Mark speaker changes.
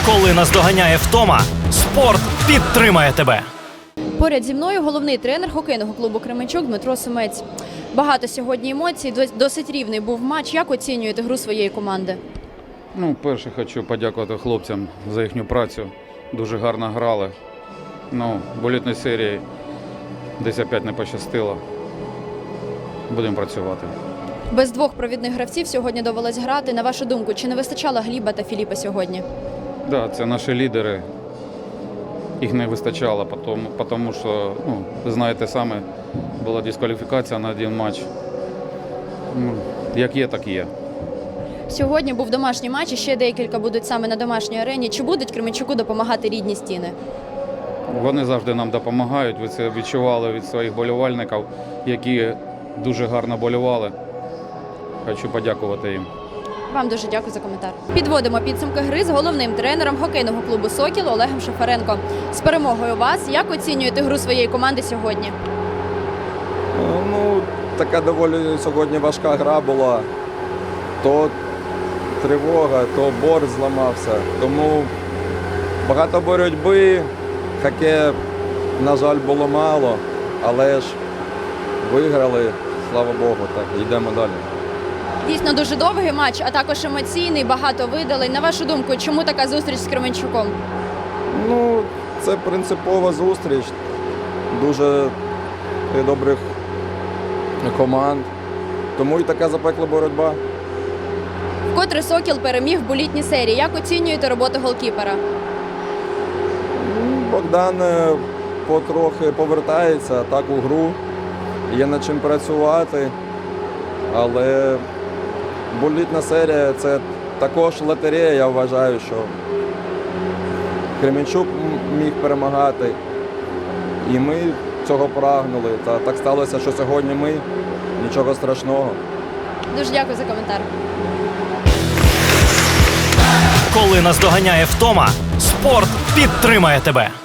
Speaker 1: Коли наздоганяє втома, спорт підтримає тебе.
Speaker 2: Поряд зі мною головний тренер хокейного клубу «Кременчук» Дмитро Сумець. Багато сьогодні емоцій, досить рівний був матч. Як оцінюєте гру своєї команди?
Speaker 3: Перше хочу подякувати хлопцям за їхню працю. Дуже гарно грали. В болітній серії десь опять не пощастило. Будемо працювати.
Speaker 2: Без двох провідних гравців сьогодні довелось грати. На вашу думку, чи не вистачало Гліба та Філіпа сьогодні?
Speaker 3: Так, це наші лідери. Їх не вистачало, тому що, ви знаєте самі, була дискваліфікація на один матч. Як є, так є.
Speaker 2: Сьогодні був домашній матч, і ще декілька будуть саме на домашній арені. Чи будуть Кременчуку допомагати рідні стіни?
Speaker 3: Вони завжди нам допомагають. Ви це відчували від своїх болівальників, які дуже гарно болювали. Хочу подякувати їм.
Speaker 2: Вам дуже дякую за коментар. Підводимо підсумки гри з головним тренером хокейного клубу «Сокіл» Олегом Шафаренко. З перемогою вас, як оцінюєте гру своєї команди сьогодні?
Speaker 4: Така доволі сьогодні важка гра була. То тривога, то борт зламався. Тому багато боротьби, хокею, на жаль, було мало, але ж виграли, слава Богу, так, йдемо далі.
Speaker 2: Дійсно дуже довгий матч, а також емоційний, багато видалень. На вашу думку, чому така зустріч з Кременчуком?
Speaker 4: Це принципова зустріч дуже добрих команд, тому і така запекла боротьба.
Speaker 2: Вкотре «Сокіл» переміг в болітній серії. Як оцінюєте роботу голкіпера?
Speaker 4: Богдан потрохи повертається так у гру, є над чим працювати, але болітна серія – це також лотерея, я вважаю, що Кременчук міг перемагати, і ми цього прагнули. Та так сталося, що сьогодні ми, нічого страшного.
Speaker 2: Дуже дякую за коментар.
Speaker 1: Коли наздоганяє втома, спорт підтримає тебе.